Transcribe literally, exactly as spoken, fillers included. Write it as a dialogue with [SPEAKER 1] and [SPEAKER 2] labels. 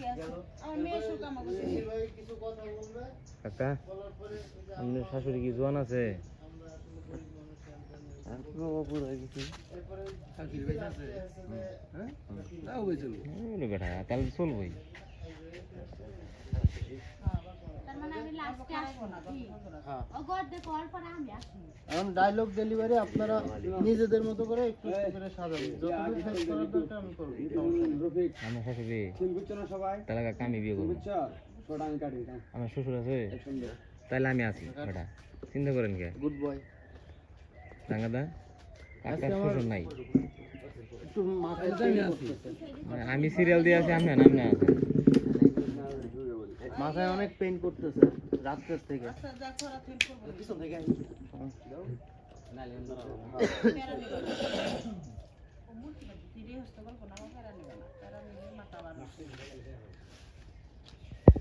[SPEAKER 1] কাকা আপনার শাশুড়ি কি জোয়ান আছে? বেটা তাহলে চলবই।
[SPEAKER 2] এখন ডায়লগ ডেলিভারি আপনারা নিজেদের মতো করে একটু করে সাজাবেন, যতটুকু ফেস করার দরকার আমি করব।
[SPEAKER 1] আমার শাশুড়ি তাহলে কাকা আমি বিয়ে করবো। আমার শ্বশুর আছে তাহলে আমি আছি বেটা, চিন্তা করেন কে।
[SPEAKER 2] গুড বয়
[SPEAKER 1] রাঙ্গাদা কাকার শ্বশুর নাই,
[SPEAKER 2] একটু মাথায় পেইন করতেছে,
[SPEAKER 1] মানে আমি সিরিয়াল দিয়ে আছি, আমি নাম না আছে
[SPEAKER 2] মাথায় অনেক পেইন করতেছে রাত্রের থেকে।